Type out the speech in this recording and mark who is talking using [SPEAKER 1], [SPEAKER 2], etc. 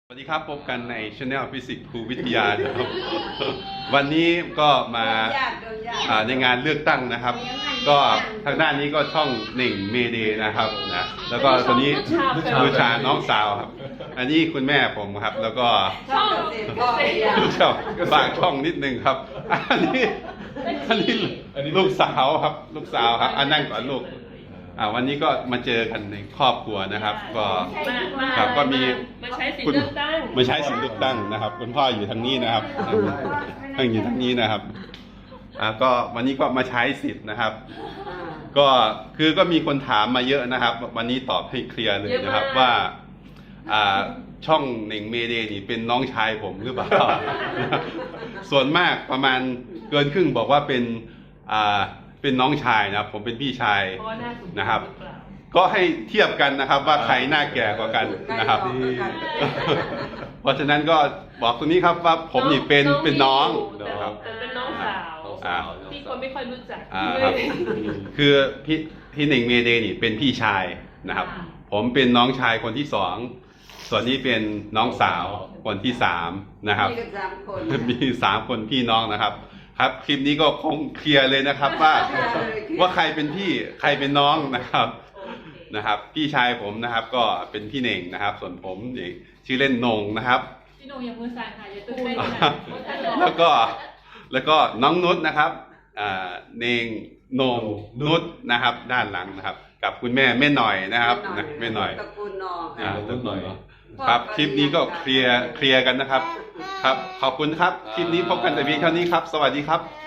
[SPEAKER 1] สวัสดีครับพบกันในช anel ฟิสิกส์ครูวิทยานะครับ วันนี้ก็มาในงานเลือกตั้งนะครับ ก็ทางด้านนี้ก็ช่องหนึ่งเมเดนะครับนะแล้วก็ตัวนี้บูชาน้องสาวครับ อันนี้คุณแม่ผมครับ แล้วก็
[SPEAKER 2] ช่อง
[SPEAKER 1] ฝากช่องนิดนึงครับ อันนี้ลูกสาวครับลูกสาวครับนั่งก่อนลูกวันนี้ก็มาเจอกันในครอบครัวนะครับ ก็ครับก็มี
[SPEAKER 2] มาใช้สิทธิ์เลือกตั้ง
[SPEAKER 1] มาใช้สิทธิ์เลือกตั้งนะครับคุณพ่ออยู่ทางนี้นะครับท่านอยู่ทางนี้นะครับก็วันนี้ก็มาใช้สิทธิ์นะครับ ก็มีคนถามมาเยอะนะครับ วันนี้ตอบให้เคลียร์เลยนะครับว่าช่องหนึ่งเมเดนี่เป็นน้องชายผมหรือเปล่า ส่วนมากประมาณเกินครึ่งบอกว่าเป็นน้องชายนะครับผมเป็นพี่ชายนะครับ ก็ให้เทียบกันนะครับว่าใครหน้าแก่กว่ากันนะครับ เพราะฉะนั้นก็บอกตรงนี้ครับว่าผมนี่เป็นน้องนะครับ
[SPEAKER 2] เป็นน้องสาวที่คนไม่ค่อยรู้จัก
[SPEAKER 1] ครับคือพี่หนึ่งเมเดนี่เป็นพี่ชายนะครับ ผมเป็นน้องชายคนที่สองส่วนนี้เป็นน้องสาวคนที่สามนะครับมี3 คนพี่น้องนะครับครับคลิปนี้ก็คงเคลียร์เลยนะครับว่าใครเป็นพี่ใครเป็นน้องนะครับพี่ชายผมนะครับก็เป็นพี่เน่งนะครับ ส่วนผมชื่อเล่นนงนะครับ
[SPEAKER 2] พี่นงอย่ามือสั่นค่ะอย่าตื่นเต้น
[SPEAKER 1] แล้วก็น้องนุชนะครับเน่งนงนุชนะครับด้านหลังนะครับกับคุณแม่หน่อยนะครับแม่หน่อย
[SPEAKER 3] ตระกูลนอง
[SPEAKER 1] ตระกูลหน่อยครับคลิปนี้ก็เคลียร์กันนะครับครับขอบคุณครับคลิปนี้พบกันแต่เพียงเท่านี้ครับสวัสดีครับ